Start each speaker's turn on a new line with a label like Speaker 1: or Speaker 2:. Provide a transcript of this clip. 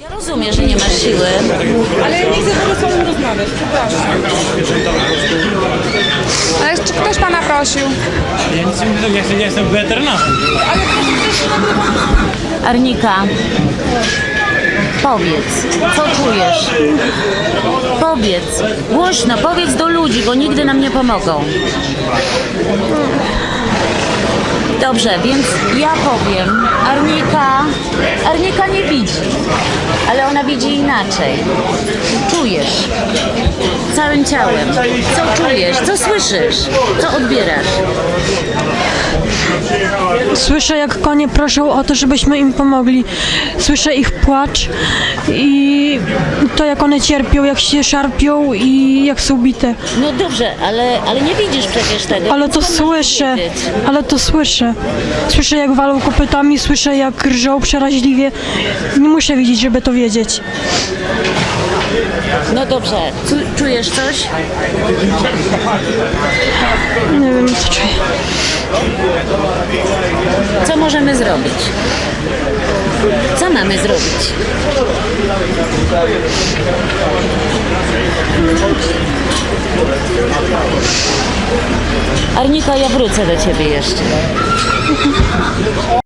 Speaker 1: Ja rozumiem, że nie masz siły.
Speaker 2: Ale ja nie chcę w ogóle z panem rozmawiać, przepraszam.
Speaker 3: Ale czy ktoś pana prosił?
Speaker 4: Ja nic nie mówię, ja jestem weterynarzem.
Speaker 1: Arnika, powiedz, co czujesz? Powiedz, głośno, powiedz do ludzi, bo nigdy nam nie pomogą. Dobrze, więc ja powiem, Arnika nie widzi, ale ona widzi inaczej. Czujesz całym ciałem. Co czujesz? Co słyszysz? Co odbierasz?
Speaker 5: Słyszę, jak konie proszą o to, żebyśmy im pomogli. Słyszę ich płacz i to, jak one cierpią, jak się szarpią i jak są bite.
Speaker 1: No dobrze, ale nie widzisz przecież tego.
Speaker 5: Ale
Speaker 1: więc
Speaker 5: to
Speaker 1: możesz
Speaker 5: słyszę,
Speaker 1: wiedzieć.
Speaker 5: ale to słyszę. Słyszę, jak walą kopytami, słyszę, jak rżą przeraźliwie. Nie muszę widzieć, żeby to wiedzieć.
Speaker 1: No dobrze, czujesz coś?
Speaker 5: Nie wiem, co czuję.
Speaker 1: Co możemy zrobić? Co mamy zrobić? Arnika, ja wrócę do ciebie jeszcze.